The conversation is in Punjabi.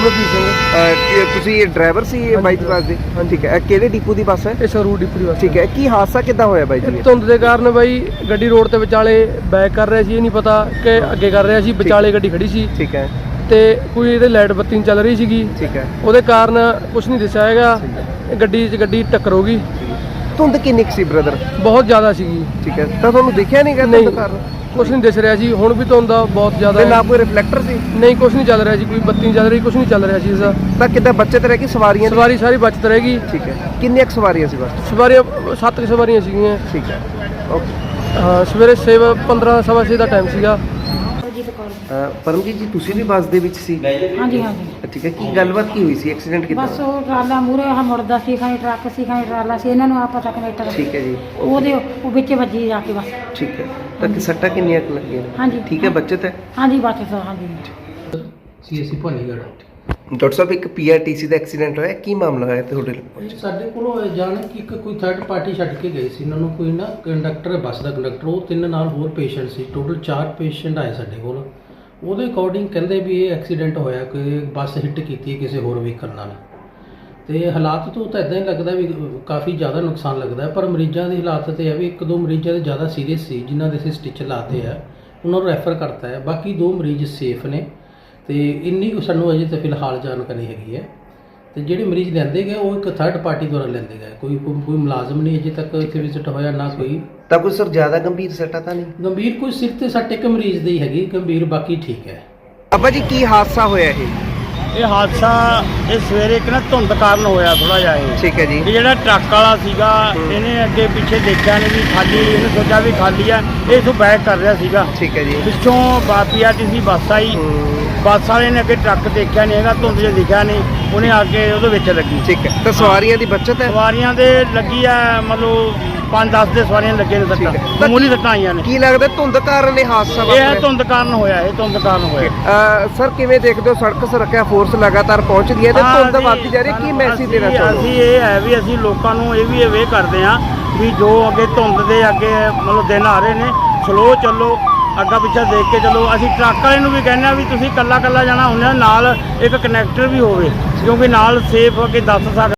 ਗੁਰਮੁਖੀ ਸਿੰਘ। ਤੁਸੀਂ ड्राइवर ਸੀ ਬਾਈ ਦੀ ਬੱਸ ਦੇ? ਠੀਕ ਹੈ। ਕਿਹੜੇ ਡਿਪੂ ਦੀ ਬੱਸ ਹੈ? ਇਹ ਸੰਗਰੂਰ ਡਿਪੂ ਦੀ ਬੱਸ। ਠੀਕ ਹੈ। ਕੀ ਹਾਦਸਾ ਕਿੱਦਾਂ ਹੋਇਆ ਬਾਈ ਜੀ? ਧੁੰਦ ਦੇ ਕਾਰਨ ਬਾਈ ਗੱਡੀ ਰੋਡ ਤੇ ਵਿਚਾਲੇ ਬੈਕ ਕਰ ਰਿਹਾ ਸੀ, ਇਹ ਨਹੀਂ ਪਤਾ ਕਿ ਅੱਗੇ ਕਰ ਰਿਹਾ ਸੀ, ਵਿਚਾਲੇ ਗੱਡੀ ਖੜੀ ਸੀ। ਠੀਕ ਹੈ। ਤੇ ਕੋਈ ਇਹਦੇ ਲਾਈਟ ਬੱਤੀ ਨਹੀਂ ਚੱਲ ਰਹੀ ਸੀਗੀ। ਠੀਕ ਹੈ। ਉਹਦੇ ਕਾਰਨ ਕੁਝ ਨਹੀਂ ਦਿਸਿਆ ਹੈਗਾ, ਗੱਡੀ ਟੱਕਰ ਹੋ ਗਈ। ਧੁੰਦ ਕਿੰਨੀ ਕੁ ਸੀ ਬ੍ਰਦਰ? ਬਹੁਤ ਜ਼ਿਆਦਾ ਸੀਗੀ। ਠੀਕ ਹੈ। ਤਾਂ ਤੁਹਾਨੂੰ ਦਿਖਿਆ ਨਹੀਂ ਗਾ ਧੁੰਦ ਕਾਰਨ? ਕੁਛ ਨਹੀਂ ਦਿਸ ਰਿਹਾ ਸੀ। ਹੁਣ ਵੀ ਧੁੰਦ ਬਹੁਤ ਜ਼ਿਆਦਾ ਨਾ ਕੋਈ ਰਿਫਲੈਕਟਰ ਸੀ? ਨਹੀਂ, ਕੁਛ ਨਹੀਂ ਚੱਲ ਰਿਹਾ ਸੀ, ਕੋਈ ਬੱਤੀ ਨਹੀਂ ਚੱਲ ਰਹੀ, ਕੁਛ ਨਹੀਂ ਚੱਲ ਰਿਹਾ ਸੀ ਇਸਦਾ। ਤਾਂ ਕਿੱਦਾਂ ਬੱਚਤ ਰਹਿ ਗਈ ਸਵਾਰੀਆਂ? ਸਵਾਰੀ ਸਾਰੀ ਬਚਤ ਰਹੇਗੀ। ਠੀਕ ਹੈ। ਕਿੰਨੀਆਂ ਕੁ ਸਵਾਰੀਆਂ ਸੀ ਬੱਸ? ਸਵਾਰੀਆਂ 7 ਸਵਾਰੀਆਂ ਸੀਗੀਆਂ। ਠੀਕ ਹੈ। ਓਕੇ। ਹਾਂ, ਸਵੇਰੇ 15 ਸਵਾ 6 ਦਾ ਟਾਈਮ ਸੀਗਾ। ਪਰਮਜੀਤ ਜੀ ਤੁਸੀਂ ਵੀ ਬੱਸ ਦੇ ਵਿੱਚ ਸੀ? ਹਾਂਜੀ ਹਾਂਜੀ। ਠੀਕ ਹੈ। ਕੀ ਗੱਲਬਾਤ ਕੀ ਹੋਈ ਸੀ? ਐਕਸੀਡੈਂਟ ਕਿੱਦਾਂ? ਬਸ ਉਹ ਟਰਾਲਾ ਮੂਹਰੇ ਆਹ ਮੁੜਦਾ ਸੀ, ਖਾਣੀ ਟਰੱਕ ਸੀ, ਖਾਣੀ ਟਰਾਲਾ ਸੀ, ਇਹਨਾਂ ਨੂੰ ਆ ਪਤਾ ਕਨੈਕਟਰ। ਠੀਕ ਹੈ ਜੀ। ਉਹਦੇ ਉਹ ਵਿੱਚ ਵੱਜੀ ਜਾ ਕੇ ਬਸ। ਠੀਕ ਹੈ। ਤਾਂ ਕਿ ਸੱਟਾਂ ਕਿੰਨੀਆਂ ਕੁ ਲੱਗੀਆਂ? ਹਾਂਜੀ। ਠੀਕ ਹੈ। ਬੱਚਤ ਹੈ? ਹਾਂਜੀ ਬਚਤ ਹਾਂਜੀ। ਸੀਐਸਸੀ ਭਾਨੀਗੜ੍ਹ। ਡਾਕਟਰ ਸਾਹਿਬ ਇੱਕ ਪੀਆਰਟੀਸੀ ਦਾ ਐਕਸੀਡੈਂਟ ਹੋਇਆ, ਕੀ ਮਾਮਲਾ ਹੋਇਆ ਤੁਹਾਡੇ ਕੋਲ? ਸਾਡੇ ਕੋਲੋਂ ਜਾਣ ਕਿ ਕੋਈ ਥਰਡ ਪਾਰਟੀ ਛੱਡ ਕੇ ਗਏ ਸੀ ਇਹਨਾਂ ਨੂੰ, ਕੋਈ ਨਾ ਕੰਡਕਟਰ, ਬੱਸ ਦਾ ਕੰਡਕਟਰ, ਉਹ 3 ਨਾਲ ਹੋਰ ਪੇਸ਼ੈਂਟ ਸੀ, ਟੋਟਲ 4 ਪੇਸ਼ੈਂਟ ਆਏ ਸਾਡੇ ਕੋਲ। ਉਹਦੇ ਅਕੋਰਡਿੰਗ ਕਹਿੰਦੇ ਵੀ ਇਹ ਐਕਸੀਡੈਂਟ ਹੋਇਆ ਕਿ ਬੱਸ ਹਿੱਟ ਕੀਤੀ ਹੈ ਕਿਸੇ ਹੋਰ ਵਹੀਕਲ ਨਾਲ। ਤੇ ਹਾਲਾਤ ਤੋਂ ਤਾਂ ਇਦਾਂ ਹੀ ਲੱਗਦਾ ਵੀ ਕਾਫੀ ਜ਼ਿਆਦਾ ਨੁਕਸਾਨ ਲੱਗਦਾ, ਪਰ ਮਰੀਜ਼ਾਂ ਦੀ ਹਾਲਾਤ ਤੇ ਹੈ ਵੀ 1-2 ਮਰੀਜ਼ਾਂ ਦੇ ਜ਼ਿਆਦਾ ਸੀਰੀਅਸ ਸੀ, ਜਿਨ੍ਹਾਂ ਦੇ ਅਸੀਂ ਸਟਿਚ ਲਾਤੇ ਆ, ਉਹਨਾਂ ਨੂੰ ਰੈਫਰ ਕਰਤਾ ਹੈ। ਬਾਕੀ 2 ਮਰੀਜ਼ ਸੇਫ ਨੇ ਤੇ ਇੰਨੀ ਕੁ ਸਾਨੂੰ ਅਜੇ ਤਾਂ ਫਿਲਹਾਲ ਜਾਣਕਾਰੀ ਹੈਗੀ ਹੈ। ਤੇ ਜਿਹੜੇ ਮਰੀਜ਼ ਲੈਂਦੇ ਗਏ ਉਹ ਇੱਕ ਥਰਡ ਪਾਰਟੀ ਦੁਆਰਾ ਲੈਂਦੇ ਗਏ, ਕੋਈ ਮੁਲਾਜ਼ਮ ਨਹੀਂ ਅਜੇ ਤੱਕ ਇੱਥੇ ਵਿਜ਼ਿਟ ਹੋਇਆ, ਨਾ ਕੋਈ। ਤਾਂ ਕੋਈ ਸਰ ਜ਼ਿਆਦਾ ਗੰਭੀਰ ਸੱਟਾਂ ਤਾਂ ਨਹੀਂ? ਗੰਭੀਰ ਕੋਈ ਸਿਰ ਤੇ ਸੱਟ ਇੱਕ ਮਰੀਜ਼ ਦੀ ਹੈਗੀ, ਗੰਭੀਰ ਬਾਕੀ ਠੀਕ ਹੈ। ਅੱਬਾ ਜੀ ਕੀ ਹਾਦਸਾ ਹੋਇਆ ਇਹ ਹਾਦਸਾ ਇਹ ਸਵੇਰੇ ਇੱਕ ਨਾ ਧੁੰਦ ਕਾਰਨ ਹੋਇਆ ਥੋੜਾ ਜਿਹਾ ਇਹ। ਠੀਕ ਹੈ ਜੀ। ਇਹ ਜਿਹੜਾ ਟਰੱਕ ਵਾਲਾ ਸੀਗਾ ਇਹਨੇ ਅੱਗੇ ਪਿੱਛੇ ਦੇਖਿਆ ਨਹੀਂ ਵੀ ਖਾਲੀ, ਇਹਨੇ ਸੋਚਿਆ ਵੀ ਖਾਲੀ ਆ, ਇਹ ਤੋਂ ਬੈਕ ਕਰ ਰਿਹਾ ਸੀਗਾ। ਠੀਕ ਹੈ ਜੀ। ਪਿੱਛੋਂ ਪੀਆਰਟੀਸੀ ਬੱਸ ਆਈ, ਬੱਸ ਵਾਲੇ ਨੇ ਅੱਗੇ ਟਰੱਕ ਦੇਖਿਆ ਨਹੀਂ ਹੈਗਾ, ਧੁੰਦ 'ਚ ਦਿਖਿਆ ਨਹੀਂ, ਉਹਨੇ ਆ ਕੇ ਉਹਦੇ ਵਿੱਚ ਲੱਗੀ। ਠੀਕ ਹੈ। ਤਾਂ ਸਵਾਰੀਆਂ ਦੀ ਬੱਚਤ ਹੈ? ਸਵਾਰੀਆਂ ਦੇ ਲੱਗੀ ਆ, ਮਤਲਬ 5-10 ਦੇ ਸਵਾਰੀਆਂ ਲੱਗੇ ਨੇ ਸੱਟਾਂ, ਮਾਮੂਲੀ ਸੱਟਾਂ ਆਈਆਂ ਨੇ। ਕੀ ਲੱਗਦਾ ਧੁੰਦ ਕਾਰਨ ਇਹ ਹਾਦਸਾ ਵਾਪਰਿਆ? ਇਹ ਧੁੰਦ ਕਾਰਨ ਹੋਇਆ, ਇਹ ਧੁੰਦ ਕਾਰਨ ਹੋਇਆ। ਸਰ ਕਿਵੇਂ ਦੇਖਦੇ ਹੋ ਸੜਕ ਸੁਰੱਖਿਆ ਫੋਰਸ ਲਗਾਤਾਰ ਪਹੁੰਚਦੀ ਹੈ ਤੇ ਧੁੰਦ ਵੱਧਦੀ ਜਾ ਰਹੀ ਹੈ, ਕੀ ਮੈਸੇਜ ਦੇਣਾ ਚਾਹੁੰਦੇ? ਅਸੀਂ ਇਹ ਹੈ ਵੀ ਅਸੀਂ ਲੋਕਾਂ ਨੂੰ ਇਹ ਵੀ ਅਵੇਅਰ ਕਰਦੇ ਹਾਂ ਵੀ ਜੋ ਅੱਗੇ ਧੁੰਦ ਦੇ ਅੱਗੇ ਮਤਲਬ ਦਿਨ ਆ ਰਹੇ ਨੇ, ਸਲੋ ਚੱਲੋ, ਅੱਗਾ ਪਿੱਛਾ ਦੇਖ ਕੇ ਚੱਲੋ। ਅਸੀਂ ਟਰੱਕ ਵਾਲੇ ਨੂੰ ਵੀ ਕਹਿੰਦੇ ਹਾਂ ਵੀ ਤੁਸੀਂ ਇਕੱਲਾ ਜਾਣਾ ਹੁੰਦਾ, ਨਾਲ ਇੱਕ ਕਨੈਕਟਰ ਵੀ ਹੋਵੇ, ਕਿਉਂਕਿ ਨਾਲ ਸੇਫ ਅੱਗੇ ਦੱਸ ਸਕਦੇ।